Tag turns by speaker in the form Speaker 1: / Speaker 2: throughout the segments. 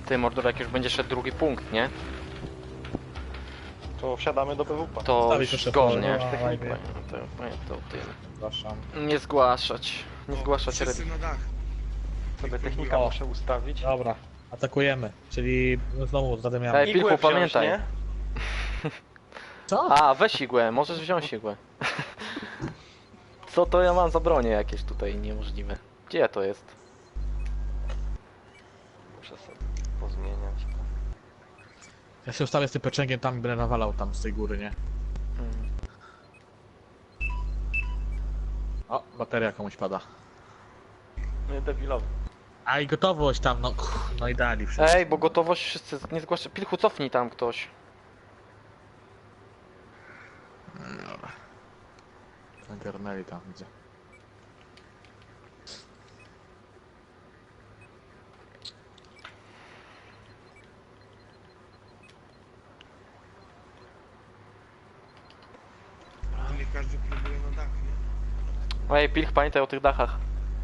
Speaker 1: Ty, Mordor, jak już będzie szedł drugi punkt, nie?
Speaker 2: To wsiadamy do PWP.
Speaker 1: To
Speaker 3: Stawić
Speaker 1: już
Speaker 3: jeszcze
Speaker 1: go,
Speaker 3: pole,
Speaker 1: nie?
Speaker 3: no, fajnie.
Speaker 1: To tym.
Speaker 3: Przepraszam.
Speaker 1: Nie zgłaszać. Nie zgłaszać
Speaker 4: Wszyscy na dach.
Speaker 2: Sobie technika
Speaker 3: O.
Speaker 2: muszę ustawić.
Speaker 3: Dobra, atakujemy, czyli znowu zadymiamy.
Speaker 1: Ej, Pilchu,
Speaker 2: Igłę wziąć,
Speaker 1: pamiętaj.
Speaker 2: nie?
Speaker 3: Co?
Speaker 1: A, weź igłę, możesz wziąć igłę. Co to ja mam za bronie jakieś tutaj niemożliwe? Gdzie to jest?
Speaker 2: Muszę sobie pozmieniać.
Speaker 3: Ja się ustawię z tym peczęgiem tam i będę nawalał tam z tej góry, nie?
Speaker 1: Hmm.
Speaker 3: O, bateria komuś pada.
Speaker 2: Nie debilowy.
Speaker 3: A i gotowość tam, no, no i dali wszystko.
Speaker 1: Ej, bo gotowość wszyscy nie zgłasza. Pilchu, cofnij tam ktoś.
Speaker 3: Dobra. Zagarnęli tam, widzę.
Speaker 4: Nie każdy próbuje na dach, nie?
Speaker 1: Ej, Pilch, pamiętaj o tych dachach.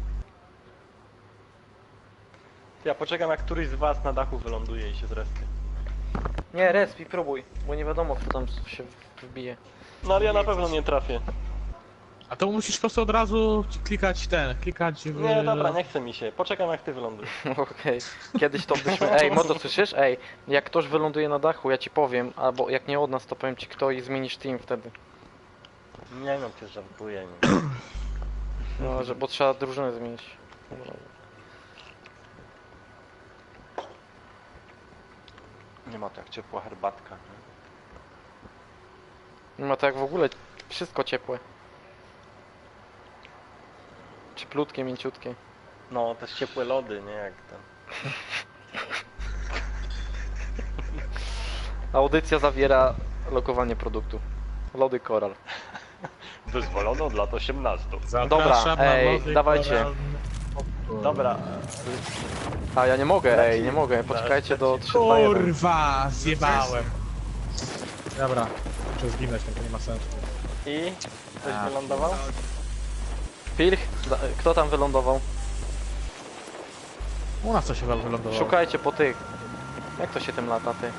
Speaker 2: Ja poczekam, jak któryś z was na dachu wyląduje i się zresztą.
Speaker 1: Nie, respi, próbuj, bo nie wiadomo kto tam się wbije.
Speaker 2: No ale ja na pewno nie trafię.
Speaker 3: A to musisz po prostu od razu klikać w...
Speaker 2: Nie, dobra, nie chce mi się. Poczekam, jak ty wylądujesz.
Speaker 1: Okej, kiedyś to byśmy... Ej, Mordo, słyszysz? Ej, jak ktoś wyląduje na dachu, ja ci powiem, albo jak nie od nas, to powiem ci kto i zmienisz team wtedy.
Speaker 2: Nie no, cię żartuję. Nie.
Speaker 1: No, że, bo trzeba drużynę zmienić.
Speaker 2: Nie ma to jak ciepła herbatka. Nie?
Speaker 1: Nie ma to jak w ogóle wszystko ciepłe. Cieplutkie, mięciutkie.
Speaker 2: No, też ciepłe lody, nie jak tam.
Speaker 1: Audycja zawiera lokowanie produktu. Lody Koral.
Speaker 2: Wyzwolono od lat 18.
Speaker 3: Zapraszam na
Speaker 1: ej,
Speaker 3: lody
Speaker 1: dawajcie.
Speaker 3: koralne.
Speaker 2: Dobra.
Speaker 1: A ja nie mogę, ej, nie mogę. Poczekajcie do 3, 2, 1.
Speaker 3: Kurwa, zjebałem. Dobra, muszę zginąć, to nie ma sensu.
Speaker 2: I? Ktoś
Speaker 3: A.
Speaker 2: wylądował?
Speaker 1: Pilch, kto tam wylądował?
Speaker 3: U nas to się wylądowało.
Speaker 1: Szukajcie po tych. Jak to się tym lata, ty?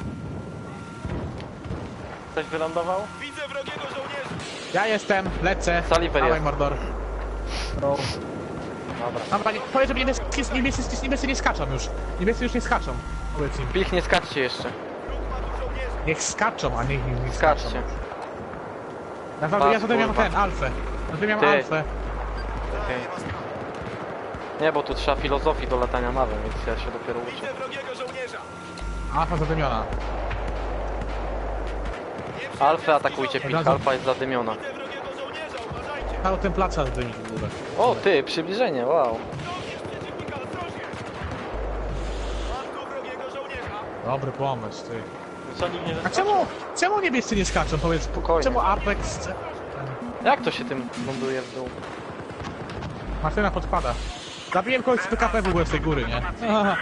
Speaker 2: Ktoś wylądował?
Speaker 4: Widzę wrogiego żołnierza!
Speaker 3: Ja jestem, lecę.
Speaker 1: Saliver
Speaker 3: Dawaj,
Speaker 1: jest.
Speaker 3: Mordor. No.
Speaker 2: Dobra.
Speaker 3: Dobra, powiedz, że niebiescy nie skaczą już. Niebiescy już nie skaczą. Powiedz im.
Speaker 1: Pilch, nie skaczcie jeszcze.
Speaker 4: Wróg ma tu żołnierza!
Speaker 3: Niech skaczą, a niech nie skaczą.
Speaker 1: Skaczcie.
Speaker 3: Naprawdę, ja
Speaker 1: Pas,
Speaker 3: zatem miałem
Speaker 1: kurwa.
Speaker 3: ten, alfę. Zatem miałem
Speaker 1: Ty.
Speaker 3: alfę.
Speaker 1: Okej. Nie, bo tu trzeba filozofii do latania mawem, więc ja się dopiero uczę.
Speaker 4: Widzę wrogiego żołnierza!
Speaker 3: Alfa zadymiona.
Speaker 1: Alfę atakujcie, Pilch, alfa jest zadymiona.
Speaker 4: Widzę wrogiego żołnierza, uważajcie!
Speaker 3: Cały ten plac trzeba zadymić w górę.
Speaker 1: O, ty, przybliżenie, wow.
Speaker 4: Żołnierz przeciwnika, ostrożnie! Mam tu wrogiego żołnierza!
Speaker 3: Dobry pomysł, ty.
Speaker 2: Co nikt nie
Speaker 3: A czemu niebiescy nie skaczą, powiedz?
Speaker 1: Spokojnie.
Speaker 3: Czemu Apex...
Speaker 1: Jak to się tym ląduje w dół?
Speaker 3: Martyna podpada. Zabiłem kogoś z PKP w ogóle z tej góry, nie? Aha.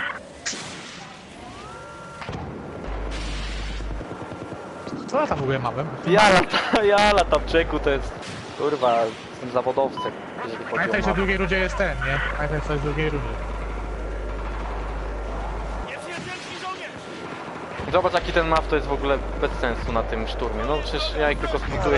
Speaker 3: Co ja tam w ogóle mam?
Speaker 1: Ja latam czeku, to jest... Kurwa, jestem zawodowcem, jeżeli chodzi
Speaker 3: Pamiętaj,
Speaker 1: o
Speaker 3: że w
Speaker 1: mapę.
Speaker 3: drugiej rundzie jest ten, nie? Pamiętaj, co jest w drugiej rundzie.
Speaker 4: Nieprzyjacielski żołnierz!
Speaker 1: Zobacz jaki ten map to jest w ogóle bez sensu na tym szturmie. No przecież ja ich tylko splituję.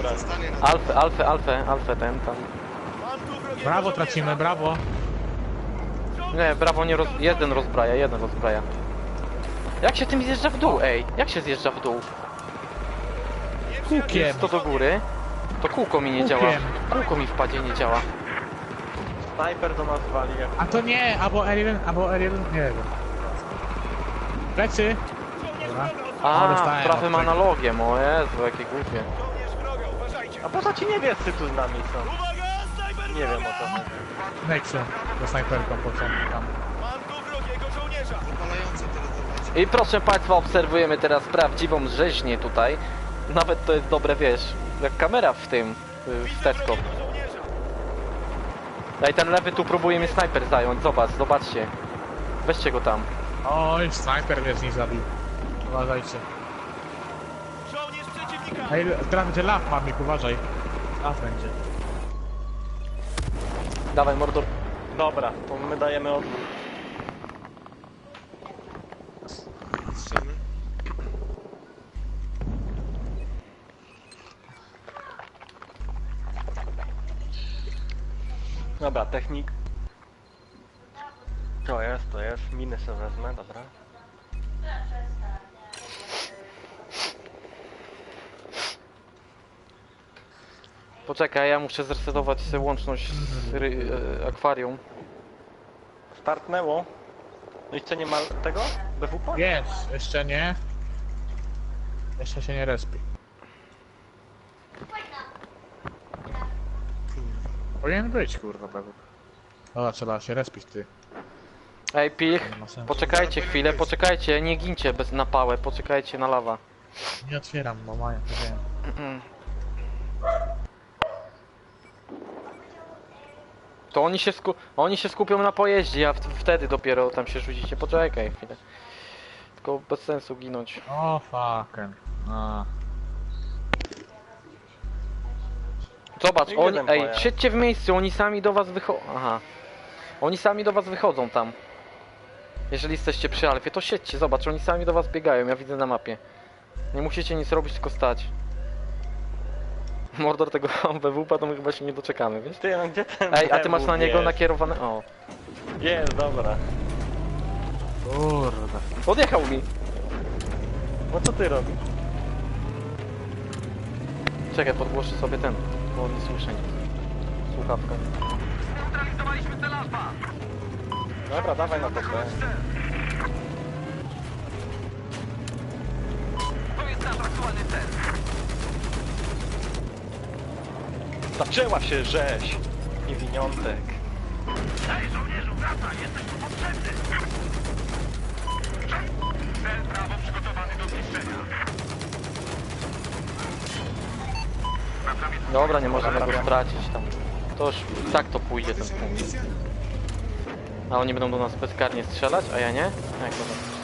Speaker 1: Alfę ten tam.
Speaker 4: Mam tu wrogiego
Speaker 3: Brawo
Speaker 4: żołnierza!
Speaker 3: tracimy, brawo.
Speaker 1: Nie, brawo nie jeden rozbraja. Jak się tym zjeżdża w dół, ej? Jak się zjeżdża w dół?
Speaker 3: Kukiem.
Speaker 1: To do góry? To kółko mi nie działa.
Speaker 3: Kółkiem.
Speaker 1: Kółko mi w padzie nie działa.
Speaker 2: Snajper do nas wali jak...
Speaker 3: A to nie, albo R1, nie wiem. Plecy. Dobra.
Speaker 1: A,
Speaker 3: dostałem
Speaker 1: prawym
Speaker 3: od tego.
Speaker 1: analogiem, o Jezu, jakie głupie.
Speaker 4: Żołnierz wroga, uważajcie!
Speaker 2: A po co ci niebiescy tu z nami są?
Speaker 4: Uwaga, snajper
Speaker 2: Nie wiem o
Speaker 4: wroga!
Speaker 2: co chodzi.
Speaker 3: Nexy. Do snajperką po co tam.
Speaker 4: Mam tu wrogiego żołnierza!
Speaker 1: I proszę Państwa, obserwujemy teraz prawdziwą rzeźnię tutaj. Nawet to jest dobre, wiesz, jak kamera w tym, w Tesco.
Speaker 4: Wrogiego żołnierza!
Speaker 1: Ej, ten lewy tu próbuje mnie snajper zająć, zobaczcie. Weźcie go tam.
Speaker 3: Oj, snajper mnie z nich zabił. Uważajcie.
Speaker 4: Żołnierz przeciwnika!
Speaker 3: Ej, teraz będzie law, mamik, uważaj. Law będzie.
Speaker 1: Dawaj, Mordor.
Speaker 2: Dobra, to my dajemy odwrót. Dobra, technik. To jest. Miny sobie wezmę, dobra.
Speaker 1: Poczekaj, ja muszę zresetować sobie łączność z akwarium.
Speaker 2: Startnęło. No i co, nie ma tego? BWP?
Speaker 3: Jest, jeszcze nie. Jeszcze się nie respi. Powinien być, kurwa, pewnie. Dobra, trzeba się respić, ty.
Speaker 1: Ej, Pilch,
Speaker 3: Nie ma sensu.
Speaker 1: poczekajcie chwilę, poczekajcie, nie gincie bez napałę, poczekajcie na lawa.
Speaker 3: Nie otwieram, bo mają, to wiem.
Speaker 1: To oni się skupią na pojeździe, a wtedy dopiero tam się rzucicie. Poczekaj chwilę. Tylko bez sensu ginąć.
Speaker 3: O, fucking. A.
Speaker 1: Zobacz,
Speaker 2: I
Speaker 1: oni,
Speaker 2: jeden
Speaker 1: ej,
Speaker 2: pojazd.
Speaker 1: siedźcie w miejscu, oni sami do was wychodzą. Aha. Oni sami do was wychodzą tam. Jeżeli jesteście przy Alfie, to siedźcie, zobacz, oni sami do was biegają, ja widzę na mapie. Nie musicie nic robić, tylko stać. Mordor tego BWP to my chyba się nie doczekamy, wiesz?
Speaker 2: Ty, no gdzie ten
Speaker 1: Ej, a ty masz na niego
Speaker 2: jest?
Speaker 1: nakierowane... O,
Speaker 2: Jest, dobra.
Speaker 3: Kurde.
Speaker 1: podjechał mi.
Speaker 2: No co ty robisz?
Speaker 1: Czekaj, podgłoszę sobie ten, bo nie słyszę nic. Słuchawka.
Speaker 2: Dobra, dawaj na to. Zaczęła się rzeź! Niewiniątek.
Speaker 1: Dobra, nie możemy go stracić tam. To już i tak to pójdzie ten punkt. A oni będą do nas bezkarnie strzelać, a ja nie? Jak to tak?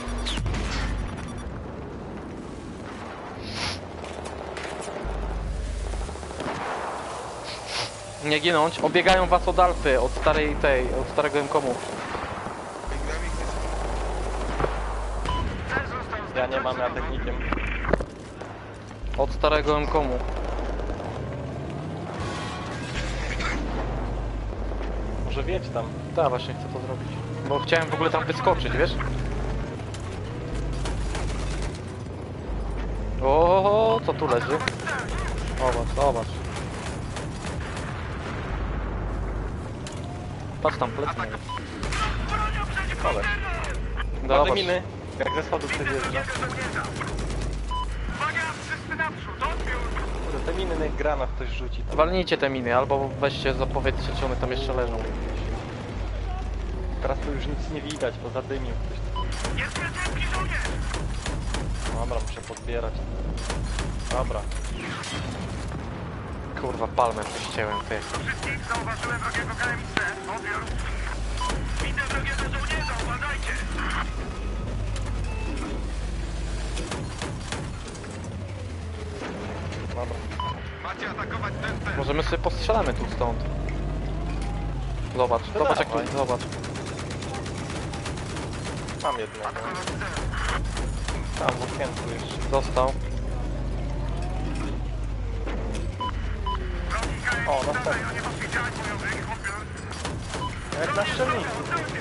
Speaker 1: Nie ginąć, obiegają was od Alfy, od starej tej, od starego M-komu.
Speaker 2: Ja nie mam, ja technikiem.
Speaker 1: Od starego M-komu.
Speaker 2: Może wiedź tam.
Speaker 1: Tak, właśnie chcę to zrobić. Bo chciałem w ogóle tam wyskoczyć, wiesz? O, co tu leży? Zobacz, zobacz. Patrz tam, plecy mają.
Speaker 2: Kolej.
Speaker 1: Zobacz.
Speaker 2: Bardzo miny. Jak ze schodów przejeżdża. Kurde, te miny niech granat ktoś rzuci tam.
Speaker 1: Walnijcie te miny, albo weźcie, zapowiedzcie, czy one tam jeszcze leżą.
Speaker 2: Teraz tu już nic nie widać, bo zadymił ktoś. Dobra, muszę podbierać. Dobra.
Speaker 1: Kurwa, palmę prześcięłem, ty.
Speaker 2: Dobra.
Speaker 1: Możemy sobie postrzelamy tu stąd. Zobacz,
Speaker 2: No
Speaker 1: zobacz jak
Speaker 2: dawaj.
Speaker 1: tu, zobacz.
Speaker 2: Mam jednego. Tam w okienku jeszcze.
Speaker 1: Dostał.
Speaker 2: O, następny. Jak na strzelnicy.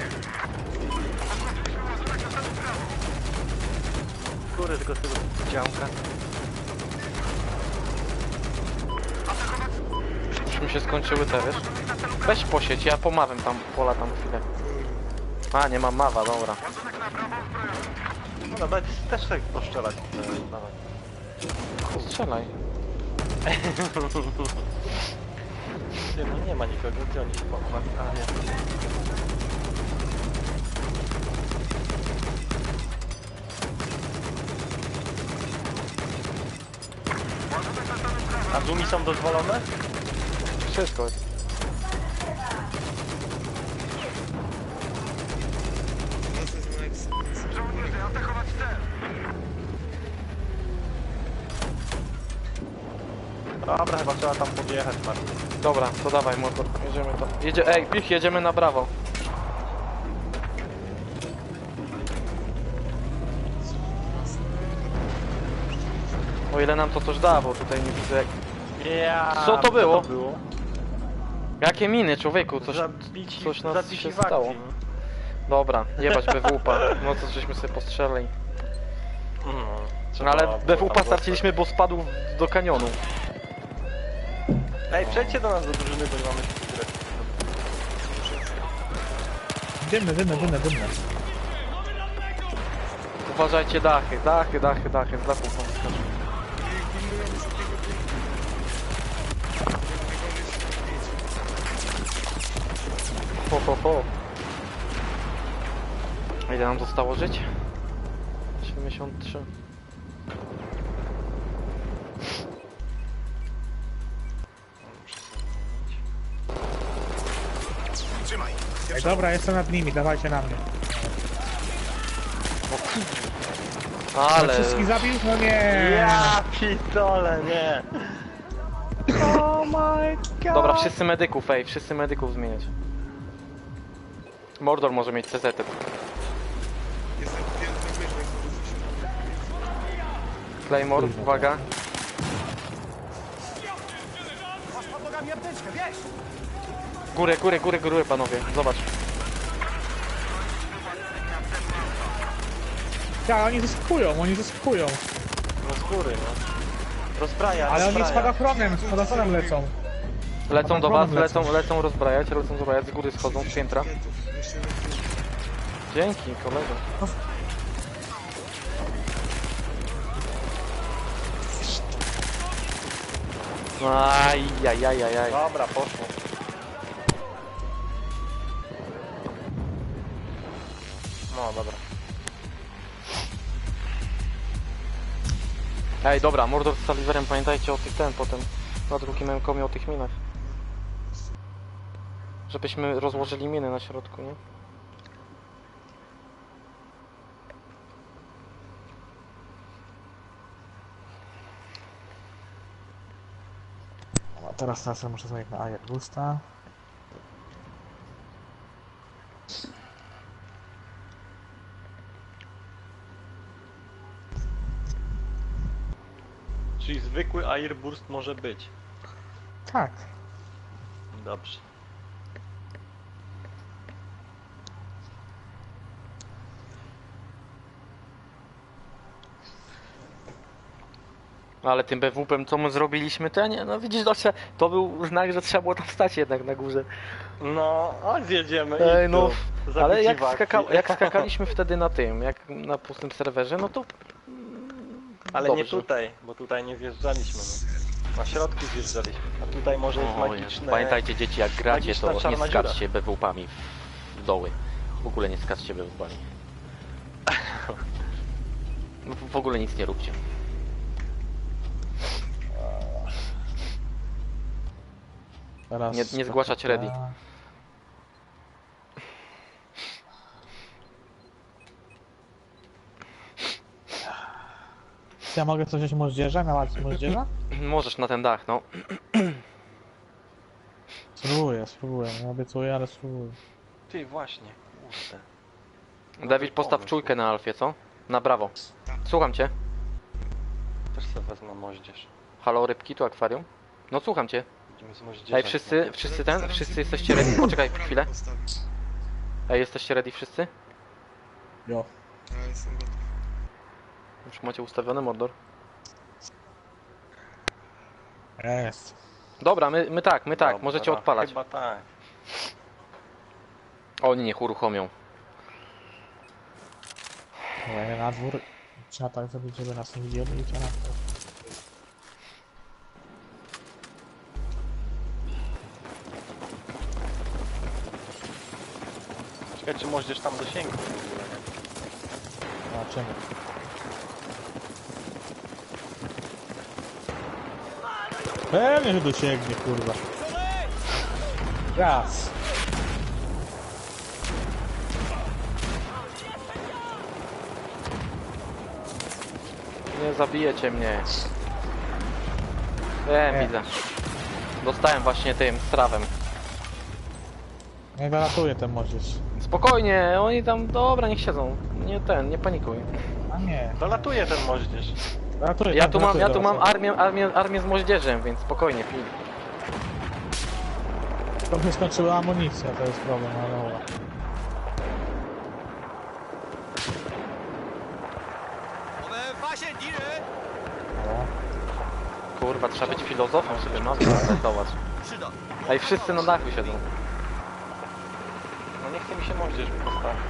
Speaker 2: Kurde, tylko z tego działka.
Speaker 1: Już mi się skończyły te, wiesz? Weź posieć, ja pomawem tam, pola tam chwilę. A, nie mam mawa, dobra.
Speaker 2: No dać też tak poszczelać. Dawaj.
Speaker 1: Strzelaj.
Speaker 2: Ty, no nie ma nikogo, gdzie oni się pochowali? A, nie. A zoomi są dozwolone?
Speaker 1: Wszystko jest.
Speaker 2: Dobra, chyba trzeba tam podjechać, Martin.
Speaker 1: Dobra, to dawaj motor, jedziemy tam. Ej, Pich, jedziemy na brawo. O ile nam to coś da, bo tutaj nie widzę jak...
Speaker 2: Ja.
Speaker 1: Co to było?
Speaker 2: Co to było?
Speaker 1: Jakie miny, człowieku? Coś nas
Speaker 2: zabici
Speaker 1: się
Speaker 2: w akcji,
Speaker 1: stało.
Speaker 2: no.
Speaker 1: Dobra, jebać BWP. No co żeśmy sobie postrzelili.
Speaker 2: No,
Speaker 1: No
Speaker 2: trzeba
Speaker 1: ale
Speaker 2: było
Speaker 1: BWP
Speaker 2: tam
Speaker 1: straciliśmy, bo spadł do kanionu.
Speaker 2: Ej, przejdźcie do nas do drużyny, bo nie mamy się grać.
Speaker 3: Dymne.
Speaker 1: Uważajcie dachy, z dachu wam skaczą. Ho. Ile nam zostało żyć? 73.
Speaker 4: Trzymaj.
Speaker 3: Ej, dobra, jestem nad nimi, dawajcie na mnie.
Speaker 1: Ale...
Speaker 3: Wszystkich zabił? No nie.
Speaker 2: Ja pitole, nie! Oh my god!
Speaker 1: Dobra, wszyscy medyków, wszyscy medyków zmieniać. Mordor może mieć CZ.
Speaker 4: Jestem piękny wyżej.
Speaker 1: Claymore, uwaga.
Speaker 4: Masz pod nogami apteczkę, wiesz?
Speaker 1: Górę, panowie, zobacz.
Speaker 3: Ja, oni zyskują.
Speaker 2: No z góry, no. Rozbraja,
Speaker 3: Ale oni
Speaker 2: rozbraja.
Speaker 3: spadochronem lecą.
Speaker 1: Lecą do was,
Speaker 3: lecą.
Speaker 1: lecą rozbrajać, z góry schodzą, z piętra. Dzięki, kolego. Ajajajajaj.
Speaker 2: Dobra, poszło. No dobra.
Speaker 1: Ej, dobra, Mordor z Saliverem, pamiętajcie o tych potem. Na drugim komie o tych minach. Żebyśmy rozłożyli miny na środku, nie?
Speaker 3: No, teraz muszę zmienić na Ajagusta.
Speaker 2: Czyli zwykły airburst może być.
Speaker 3: Tak.
Speaker 2: Dobrze.
Speaker 1: Ale tym BWP-em co my zrobiliśmy, to ja nie, no widzisz, to był znak, że trzeba było tam stać jednak na górze.
Speaker 2: No, a zjedziemy.
Speaker 1: Ej,
Speaker 2: i
Speaker 1: no,
Speaker 2: tu.
Speaker 1: ale
Speaker 2: Zabici w akcji.
Speaker 1: jak skakaliśmy wtedy na tym, jak na pustym serwerze, no to...
Speaker 2: Ale
Speaker 1: dobrze.
Speaker 2: nie tutaj, bo tutaj nie zjeżdżaliśmy. No. Na środku zjeżdżaliśmy, a tutaj może jest
Speaker 1: Oj,
Speaker 2: magiczne...
Speaker 1: pamiętajcie dzieci, jak gracie,
Speaker 2: magiczna
Speaker 1: to nie
Speaker 2: czarna dziura.
Speaker 1: skaczcie BWP-ami w doły. W ogóle nie skaczcie BWP-ami. W ogóle nic nie róbcie.
Speaker 3: Teraz
Speaker 1: Nie zgłaszać ready.
Speaker 3: Ja mogę coś wziąć moździerza? Na walce moździerza?
Speaker 1: Możesz na ten dach, no.
Speaker 3: Spróbuję. Nie obiecuję, ale spróbuję.
Speaker 2: Ty, właśnie, kurde.
Speaker 1: Dawid, postaw
Speaker 2: pomysł.
Speaker 1: czujkę na Alfie, co? Na brawo. Słucham cię.
Speaker 2: Też sobie wezmę moździerz.
Speaker 1: Halo, rybki, tu akwarium? No słucham cię.
Speaker 2: Będziemy z moździerzem.
Speaker 1: Ej, wszyscy jesteście ready? Poczekaj chwilę. Ej, jesteście ready wszyscy?
Speaker 3: Jo.
Speaker 4: Ja jestem gotów.
Speaker 1: Już macie ustawiony Mordor?
Speaker 3: Jest.
Speaker 1: Dobra, my tak,
Speaker 2: Dobra,
Speaker 1: możecie odpalać.
Speaker 2: Chyba tak.
Speaker 1: Oni niech uruchomią.
Speaker 3: Dobra, ja na dwór. Trzeba tak zrobić, żeby nas nie widzieli i trzeba na dwór.
Speaker 2: Czekaj, czy moździerz tam dosięgnie w ogóle, nie?
Speaker 3: Zobaczymy. Pewnie, że dosięgnie, kurwa. Raz.
Speaker 1: Nie zabijecie mnie.
Speaker 3: Nie.
Speaker 1: Widzę. Dostałem właśnie tym strawem.
Speaker 3: Nie wylatuje ten moździerz.
Speaker 1: Spokojnie, oni tam, dobra, niech siedzą. Nie panikuj.
Speaker 3: A nie.
Speaker 2: Dolatuje ten moździerz.
Speaker 3: Wylatuje,
Speaker 1: Ja
Speaker 3: tak,
Speaker 1: tu mam
Speaker 3: wylatuje do was.
Speaker 1: armię z moździerzem, więc spokojnie, pij.
Speaker 3: To mnie skończyła amunicja, to jest problem, ale dobra. O,
Speaker 1: Kurwa, trzeba być filozofem, żeby mapę zobacz. Ej, wszyscy na dachu siedzą.
Speaker 2: No nie chce mi się moździerz postawić.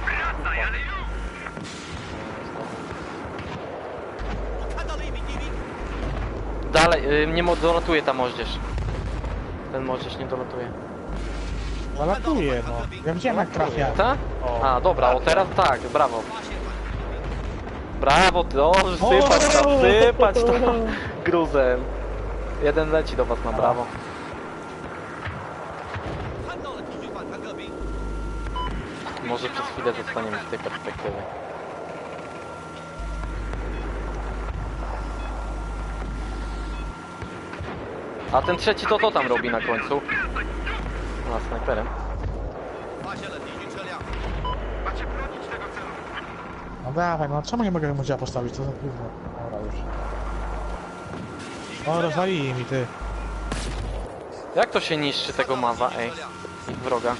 Speaker 1: Dalej, nie dolatuje ta moździerz. Ten moździerz nie dolatuje.
Speaker 3: zalatuje, no. Ja widziałem jak trafia.
Speaker 1: Ta?
Speaker 2: O,
Speaker 1: A, dobra, o teraz tak, brawo. Brawo, ty, o, sypać tam gruzem. Jeden leci do was na brawo. Może przez chwilę zostaniemy z tej perspektywy. A ten trzeci to co tam robi na końcu? A, snajperem.
Speaker 3: No dawaj, no czemu nie mogę modziła postawić? To za gówno. Dobra, już. O, rozwalili mi, ty.
Speaker 1: Jak to się niszczy tego mawa, ej? Ich wroga.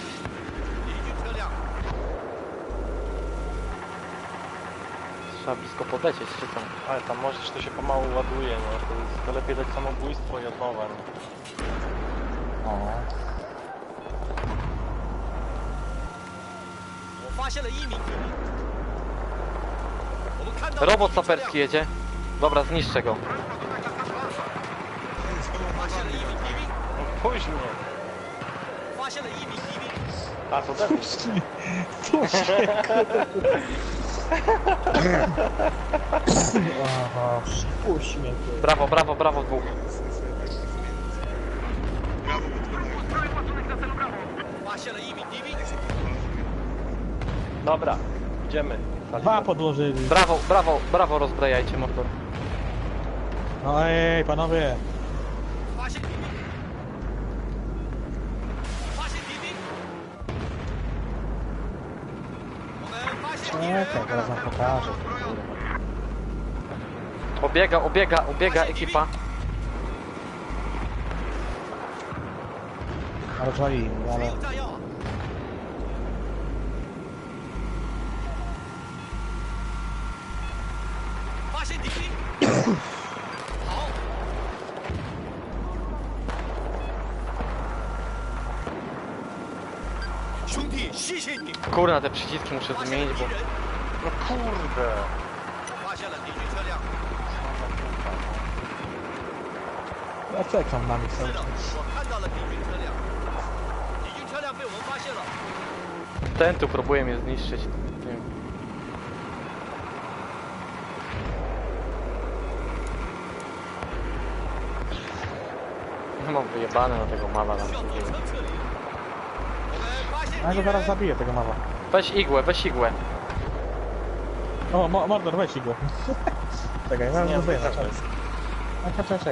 Speaker 1: Trzeba blisko podlecieć, czy co?
Speaker 2: ale tam możesz, to się pomału ładuje, no. To lepiej dać samobójstwo i od nowa, no.
Speaker 3: O.
Speaker 1: Robot saperski jedzie. Dobra, zniszczę go.
Speaker 2: No później. A, to debil.
Speaker 3: Aha, puść mnie, ty.
Speaker 1: Brawo, brawo, brawo dwóch.
Speaker 2: Dobra, idziemy.
Speaker 3: Dwa podłożyli.
Speaker 1: Brawo, brawo, brawo rozbrajajcie motor.
Speaker 3: No ej, panowie. Czekaj, teraz wam pokażę.
Speaker 1: Obiega, obiega, obiega ekipa.
Speaker 3: Rozwalili, ale...
Speaker 1: Kurna, te przyciski muszę zmienić, bo...
Speaker 2: No kurde.
Speaker 3: Ja czekam na nich cały czas.
Speaker 1: Ten tu próbuje mnie zniszczyć. Nie wiem. No mam wyjebane na tego mala tam.
Speaker 3: Ja go zaraz zabiję, tego mała.
Speaker 1: Weź igłę, weź igłę.
Speaker 3: O, Mordor, weź go. Czekaj, zaraz
Speaker 2: Nie,
Speaker 3: go zdejmę.
Speaker 2: to jest.
Speaker 3: Czekaj.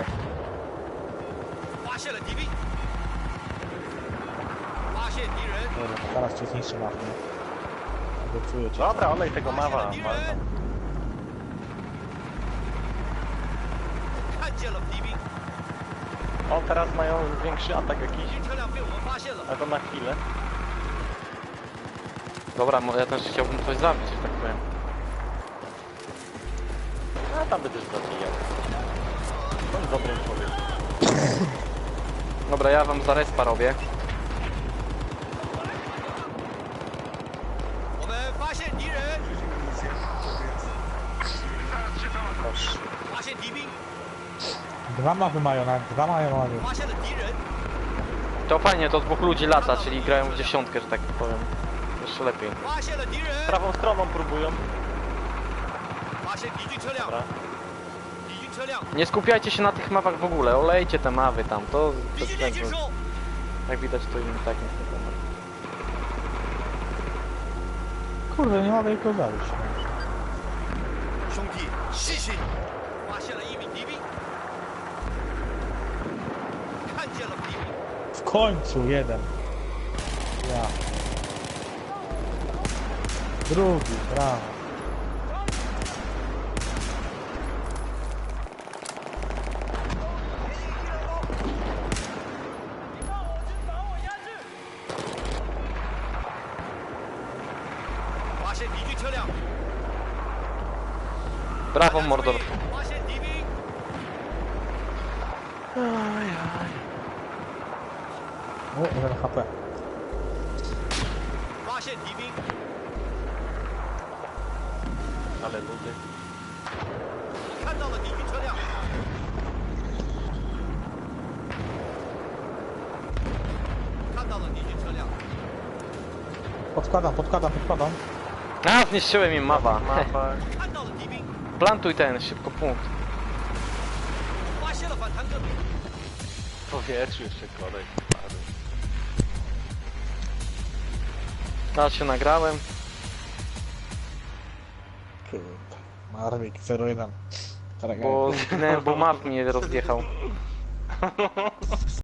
Speaker 3: Dobra, zaraz cię zniszczę na mnie. Obiecuję cię.
Speaker 2: Dobra, olej tego mawa. O, teraz mają większy atak jakiś. Ale to na chwilę.
Speaker 1: Dobra, ja też chciałbym coś zabić, że tak powiem.
Speaker 2: A tam będziesz zabijał. To jest dobry człowiek.
Speaker 1: Dobra, ja wam za respa robię.
Speaker 2: Proszę.
Speaker 3: Dwa mawy mają, nawet dwa mają mawy.
Speaker 1: To fajnie, to dwóch ludzi lata, czyli grają w dziesiątkę, że tak powiem. Jeszcze lepiej.
Speaker 2: Prawą stroną próbują. Dobra.
Speaker 1: Nie skupiajcie się na tych mapach w ogóle, olejcie te mawy tam, to bez sensu. Jak widać to im tak nie wiadomo.
Speaker 3: Kurde, nie mogę ich go zabić. W końcu jeden. Ja. Drugi, brawo.
Speaker 4: 现敌军车辆，
Speaker 1: Brawo, Mordor.
Speaker 4: 发现敌兵，
Speaker 3: O, 1 HP.
Speaker 4: 发现敌兵，
Speaker 2: Ale ludy.
Speaker 4: 看到了敌军车辆，看到了敌军车辆，
Speaker 3: Podkładam.
Speaker 1: A, zniszczyłem im mawa.
Speaker 2: Mapa.
Speaker 4: 看到了敌兵，
Speaker 1: Plantuj ten, szybko punkt.
Speaker 4: 发现了反坦克，
Speaker 2: W powietrzu jeszcze kolej. Padł.
Speaker 1: Ja się nagrałem.
Speaker 3: Kurde. Marwik 01.
Speaker 1: Bo zginęłem, bo map mnie rozjechał.